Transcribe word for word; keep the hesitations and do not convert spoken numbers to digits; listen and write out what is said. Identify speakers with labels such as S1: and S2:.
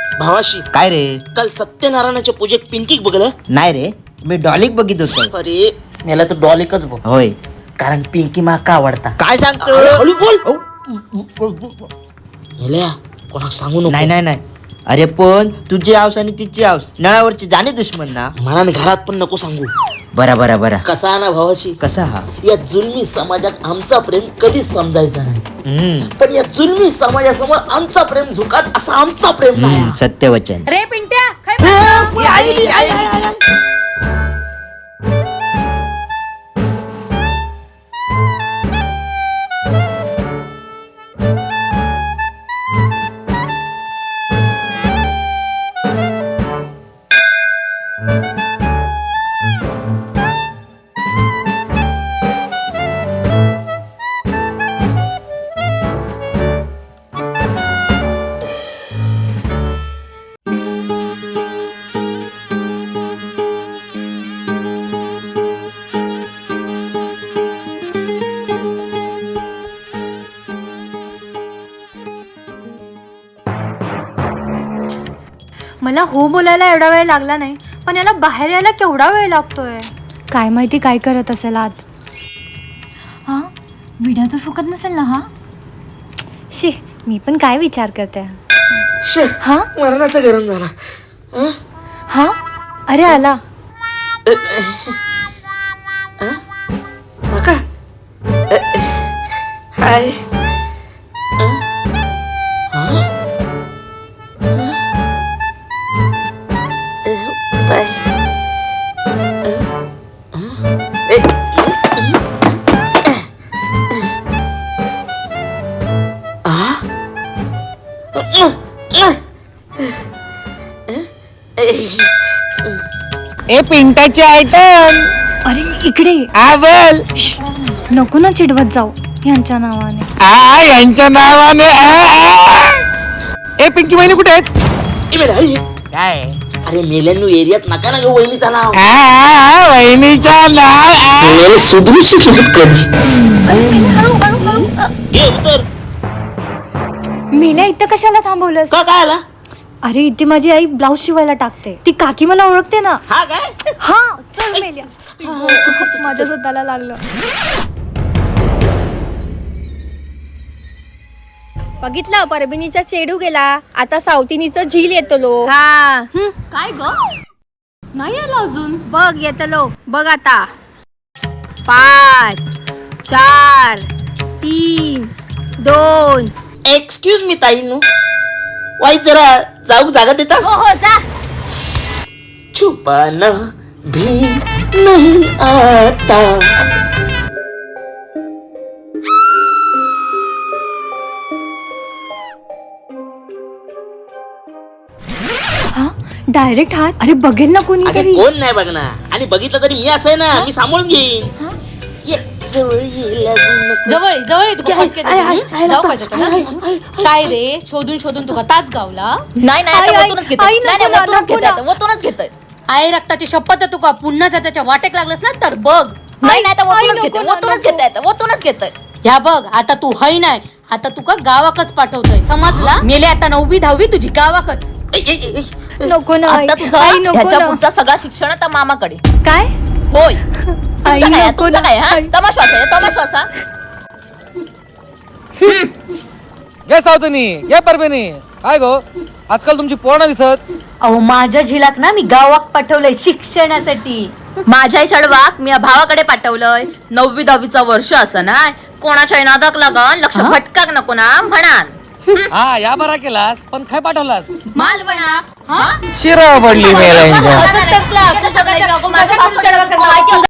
S1: भावाशी
S2: काय रे?
S1: काल सत्यनारायणाच्या पूजेत पिंकीक बघलं?
S2: नाही रे, मी डॉलिक बघित होतो.
S1: अरे मला तर डॉलिकच बघ,
S2: होय.
S1: कारण पिंकी माका आवडता.
S2: काय सांगतो?
S1: अरे, हळू बोल. मेल्या कोणाक सांगू नको.
S2: नाही नाही नाही. अरे पण तुझी हाऊस आणि तिची हाऊस नळावरची जाणे दुश्मन ना.
S1: मनाने घरात पण नको सांगू.
S2: बरा बरा बरा.
S1: कसा ना भावाशी,
S2: कसा हा?
S1: या जुलमी समाजात आमचा प्रेम कधीच समजायचा नाही,
S2: हम्म
S1: पण या जुलमी समाजासमोर आमचा प्रेम झुकात असा आमचा प्रेम नाही.
S2: हम्म, सत्यवचन.
S3: रे पिंट्या काय
S1: ए, आई, आई, आई, आई, आई.
S3: मला हो बोलायला एवढा वेळ लागला नाही, पण याला बाहेर यायला केवढा वेळ लागतोय. काय माहिती काय करत असेल आज. हा व्हिडिओ तर फुकत नसेल ना. हा शी, मी पण काय विचार करते.
S1: शे,
S3: हा
S1: मरणाचा गरम झाला. अं?
S3: हा अरे आला.
S1: नका. हाय. बाय.
S4: ए पिंटाची आयटम.
S3: अरे इकडे
S4: आ बोल.
S3: नको ना चिडवत जाऊ यांच्या नावाने.
S4: आ यांच्या नावाने. आ, आ. ए पिंकी वहिनी कुठे आहेत?
S1: ए, मेल्या, आई.
S2: काय?
S1: अरे मेल्यांनो एरियात नका ना ग वहिनीचा नाव.
S4: आ, आ, वहिनीच्या नाव. आ.
S1: सुधरू कधी. ये उतर.
S3: मेल्या इथं कशाला थांबवलंस?
S1: का काय आला?
S3: अरे इथे माझी आई ब्लाऊज शिवायला टाकते. ती काकी मला ओळखते ना.
S1: हा काय?
S3: हा चल मेल्या. माझ्या स्वतःला लागलं.
S5: बघितलं परभणीचा चेडू गेला, आता सावतीनीचं झील येतलो.
S3: हा काय ग नाही आला अजून.
S5: बघ येतलो बघ आता. पाच चार तीन दोन.
S1: एक्सक्यूज मी ताईनू, वाई जरा जाऊ जागा देतास?
S5: हो हो जा.
S1: छुपाना भी नहीं आता.
S3: हा डायरेक्ट हात. अरे बघेल ना
S1: अगं
S3: कोणीतरी.
S1: कोण नाही बघणार, आणि बघितलं तरी मी असं आहे ना, मी सांभाळून घेईन. ये, जवळ ये, लाजू नको.
S6: जवळ जवळ आहे तुका
S1: आय,
S6: पटकन
S1: आय, आय,
S6: येऊन.
S1: आय,
S6: जाऊ
S1: आय,
S6: पाहिजे होतं
S1: आय,
S6: ना.
S1: आय, आय.
S6: काय रे शोधून शोधून तुका ताच गावला.
S5: नाही नाही
S3: आई,
S5: आता
S3: आई,
S5: वतूनच
S3: आई,
S5: घेतोय.
S3: नको
S5: नाही नाही
S3: ना,
S5: वतूनच
S3: नको
S5: घेतोय
S3: ना.
S5: आता, वतूनच घेतोय.
S6: आहे रक्ताची शपथ आहे तुका. पुन्हा जर त्याच्या वाटेक लागलंस ना तर बघ.
S5: नाही नाही आता
S3: आई,
S5: वतूनच
S3: नको
S5: घेतोय,
S3: ना,
S5: वतूनच
S3: नको.
S5: घेतोय आता, वतूनच घेतोय.
S6: ह्या बघ आता तू हय नाही, आता तुका गावाकच पाठवतोय समजला. मेले आता नववी दहावी तुझी गावाकच.
S1: ए, ए, ए, ए.
S3: नको ना आई.
S5: आता तुझा
S3: आई नको
S5: ह्याच्या
S3: ना.
S5: पुढचा सगळा शिक्षण आता मामाकडे.
S3: काय
S5: होय
S3: आई
S5: तुमचा काय
S3: नको
S5: तुमचा
S3: ना.
S5: काय हा
S3: आई.
S5: तमाश्वास आहे तमाश्वास हा.
S4: घे सावतनी, घे परभणी. काय गो आजकाल तुमची पोरणा दिसत.
S6: अहो माझ्या झिलाक ना मी गावाक पाठवलंय शिक्षणासाठी.
S5: माझ्या चढवाक मी या भावाकडे पाठवलंय. नववी दहावीचा वर्ष असं ना, कोणाच्या नादाक लागन लक्ष भटकाक नको ना म्हणान.
S4: हा या बरा केलास, पण काय पाठवलास?
S5: माल बना
S4: शिरा पडली मेलांच्या.
S5: माझ्या